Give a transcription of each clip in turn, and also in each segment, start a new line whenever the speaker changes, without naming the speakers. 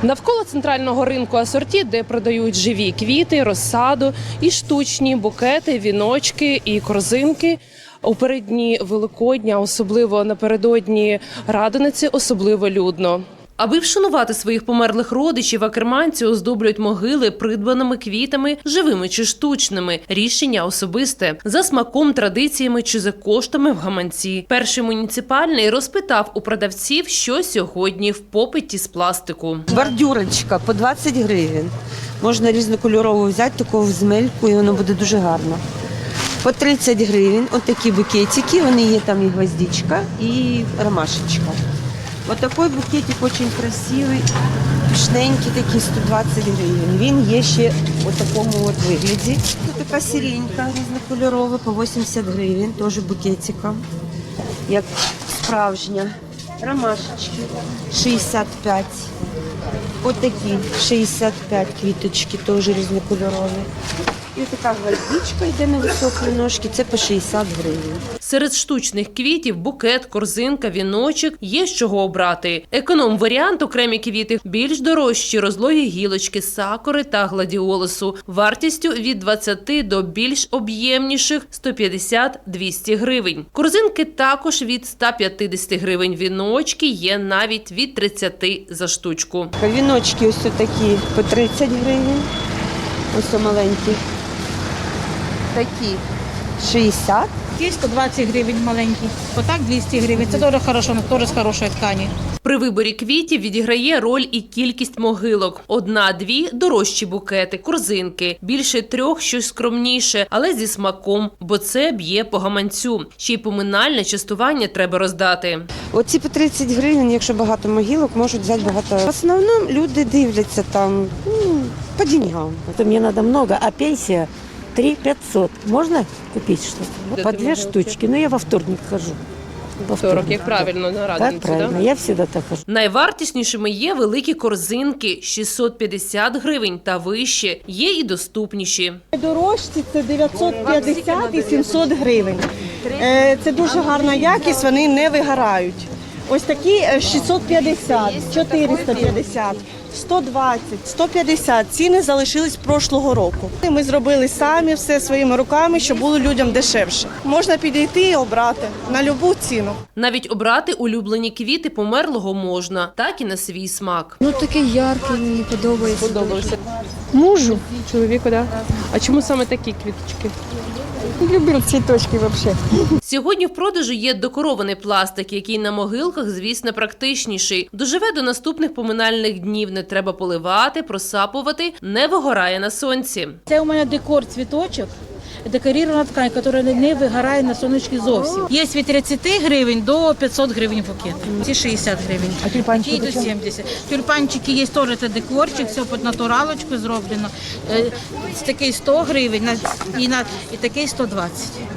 Навколо центрального ринку асорті, де продають живі квіти, розсаду і штучні букети, віночки і корзинки. У переддні Великодня, особливо напередодні Радониці, особливо людно. Аби вшанувати своїх померлих родичів, акерманці оздоблюють могили придбаними квітами, живими чи штучними. Рішення особисте. За смаком, традиціями чи за коштами в гаманці. Перший муніципальний розпитав у продавців, що сьогодні в попиті з пластику.
Бордюрочка по 20 гривень. Можна різнокольорову взяти, таку з мельку, і воно буде дуже гарно. По 30 гривень. Ось такі букетики, вони є там і гвоздичка, і ромашечка. Ось такий букетик дуже красивий, пишненький, такий 120 гривень. Він є ще у такому от вигляді. Ось така сиренька різнокольорова по 80 гривень, теж букетиком, як справжня. Ромашечки 65. Ось такі 65 квіточки, теж різнокольорові. І така гвоздичка йде на високі ножки, це по 60 гривень.
Серед штучних квітів – букет, корзинка, віночок – є з чого обрати. Економ-варіант – окремі квіти, більш дорожчі – розлогі гілочки, сакури та гладіолусу. Вартістю від 20 до більш об'ємніших – 150-200 гривень. Корзинки також від 150 гривень. Віночки є навіть від 30 за штучку.
Віночки ось такі по 30 гривень, ось маленькі. Такі 60.
Є 120 гривень маленький, отак 200 гривень. Це дуже хорошо, теж з хорошої ткані.
При виборі квітів відіграє роль і кількість могилок. 1-2 – дорожчі букети, корзинки. Більше 3 – щось скромніше, але зі смаком, бо це б'є по гаманцю. Ще й поминальне частування треба роздати.
Оці по 30 гривень, якщо багато могилок, можуть взяти багато. В основному люди дивляться там по деньгам.
Это мне надо много, а пенсия 3500. Можно купить что-то? По 2 штучки, но я во вторник хожу. Во
40, як правильно, на
Так,
Радоницю,
правильно, я всегда так хожу.
Найвартіснішими є великі корзинки – 650 гривень та вище. Є і доступніші.
Дорожчі – це 950 і 700 гривень. Це дуже гарна якість, вони не вигорають. Ось такі 650, 450, 120, 150. Ціни залишились прошлого року. Ми зробили самі все своїми руками, щоб було людям дешевше. Можна підійти і обрати на будь-яку ціну.
Навіть обрати улюблені квіти померлого можна, так і на свій смак.
Ну такий яркий, мені подобається.
Подобався.
Мужу.
Чоловіку, так? А чому саме такі квіточки?
Люблю цвіточки взагалі.
Сьогодні в продажу є декорований пластик, який на могилках, звісно, практичніший. Доживе до наступних поминальних днів. Не треба поливати, просапувати, не вигорає на сонці.
Це у мене декор цвіточок, декорирована ткань, яка не вигорає на сонечки зовсім. Є від 30 гривень до 500 гривень букет. Ці 60 гривень. А тюльпанчики до 70. Тюльпанчики є теж це декорчик, все під натуралочку зроблено. Такий 100 гривень і такий 120.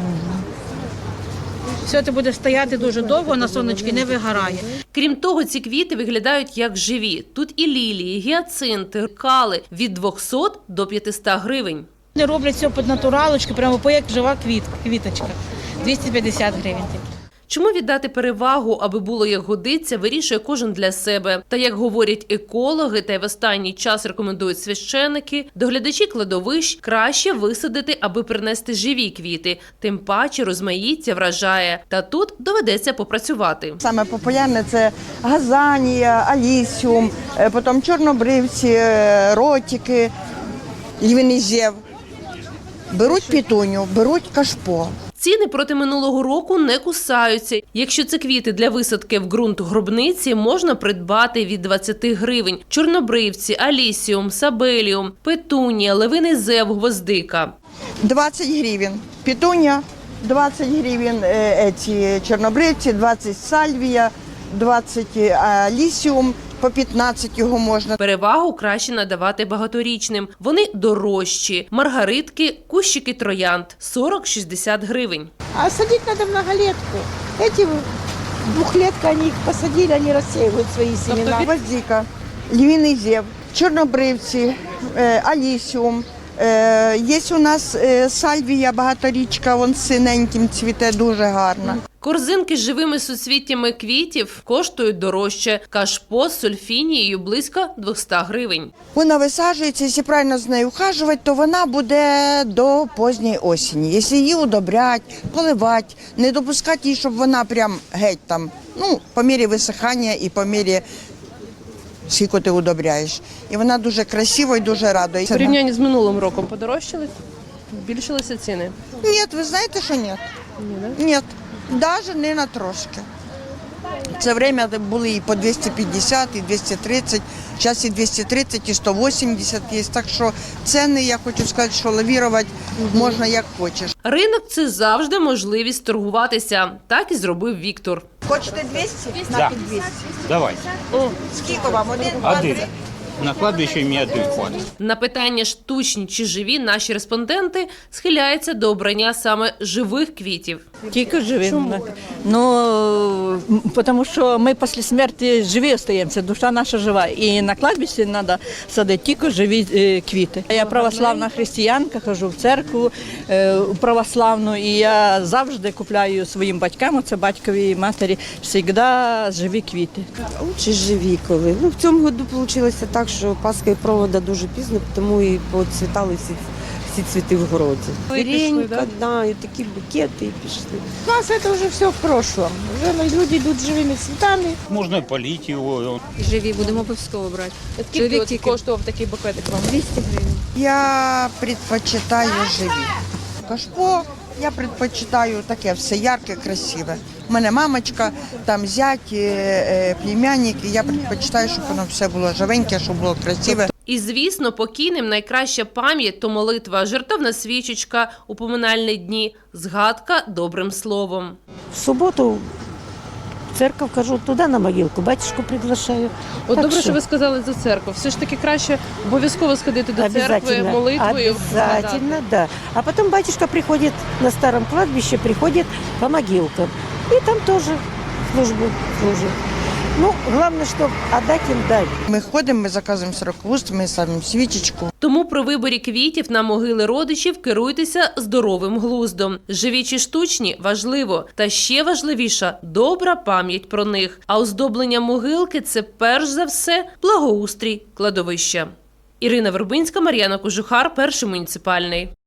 Все це буде стояти дуже довго, на сонечки не вигорає.
Крім того, ці квіти виглядають як живі. Тут і лілії, гіацинти, кали – від 200 до 500 гривень.
Вони роблять все під натуралочку, прямо як жива квіточка. 250 гривень.
Чому віддати перевагу, аби було як годиться, вирішує кожен для себе. Та, як говорять екологи, та й в останній час рекомендують священики, доглядачі кладовищ краще висадити, аби принести живі квіти. Тим паче розмаїття вражає. Та тут доведеться попрацювати.
Саме популярне – це газанія, алісіум, потім чорнобривці, ротики, львиний зєв. Беруть пітуню, беруть кашпо.
Ціни проти минулого року не кусаються. Якщо це квіти для висадки в ґрунт гробниці, можна придбати від 20 гривень. Чорнобривці, алісіум, сабеліум, петунія, левиний зев, гвоздика.
20 гривень пітуня, 20 гривень ці чорнобривці, 20 сальвія, 20 алісіум. По 15 його можна.
Перевагу краще надавати багаторічним. Вони дорожчі. Маргаритки, кущики троянд – 40-60 гривень.
А садити треба многолетку. Ці двохлетка, вони їх посадили, вони розсіюють свої семена.
Гвоздика, львиний зєв, чорнобривці, алісіум. Є у нас сальвія багаторічка, вон синеньким цвіте, дуже гарна.
Корзинки з живими суцвіттями квітів коштують дорожче. Кашпо з сульфінією близько 200 гривень.
Вона висаджується, якщо правильно з нею ухажувати, то вона буде до поздньої осені. Якщо її удобрять, поливати, не допускати її, щоб вона прям геть там, по мірі висихання і по мірі скільки ти удобряєш. І вона дуже красива і дуже радує.
В порівнянні з минулим роком подорожчали? Збільшилися ціни?
Ні, ви знаєте, що ні? Ні, навіть не на трошки. Це время були і по 250, і 230, зараз і 230, і 180 є. Так що ціни, я хочу сказати, що лавірувати можна як хочеш.
Ринок – це завжди можливість торгуватися. Так і зробив Віктор.
Хочете 200?
Да.
На 200.
Давай.
Скільки вам? Один?
Один. На кладбище мені один хватить.
На питання штучні чи живі наші респонденти схиляються до обрання саме живих квітів.
Тільки живі. Ну, тому що ми після смерті живі залишаємося, душа наша жива. І на кладбищі треба садити тільки живі квіти. Я православна християнка, хожу в церкву православну, і я завжди купляю своїм батькам, це батькові і матері, завжди живі квіти.
Лучше живі коли. В цьому году вийшло так, що Пасха і провода дуже пізно, тому і поцвітали всі цвіти в городі. Варенька, і такі букети, і пішли.
У нас це вже все в прошлом. Вже люди йдуть живими цвітами.
Можна полити його.
Живі, будемо обов'язково брати.
Скільки коштував такий букетик вам?
200 гривень.
Я предпочитаю живі. Кашпо я предпочитаю таке все ярке, красиве. У мене мамочка, там зять, племянник, і я предпочитаю, щоб воно все було живеньке, щоб було красиве.
І, звісно, покійним найкраща пам'ять – то молитва, жертовна свічечка у поминальні дні, згадка добрим словом.
В субботу в церковь хожу, туда на могилку, батюшку приглашаю.
От
Так
добре,
що?
що ви сказали за церкву. Все ж таки краще обов'язково сходити до церкви,
Обязательно,
молитвою.
обязательно, да. А потом батюшка приходит на старом кладбище, приходит по могилкам. И там тоже службу служит. Ну, главное, что отдать им дать.
Ми ходимо, ми заказуємо сороквуст, ми ставимо свічечку.
Тому при виборі квітів на могили родичів керуйтеся здоровим глуздом. Живі чи штучні – важливо. Та ще важливіша – добра пам'ять про них. А оздоблення могилки – це перш за все благоустрій кладовища. Ірина Вербинська, Мар'яна Кожухар, Перший муніципальний.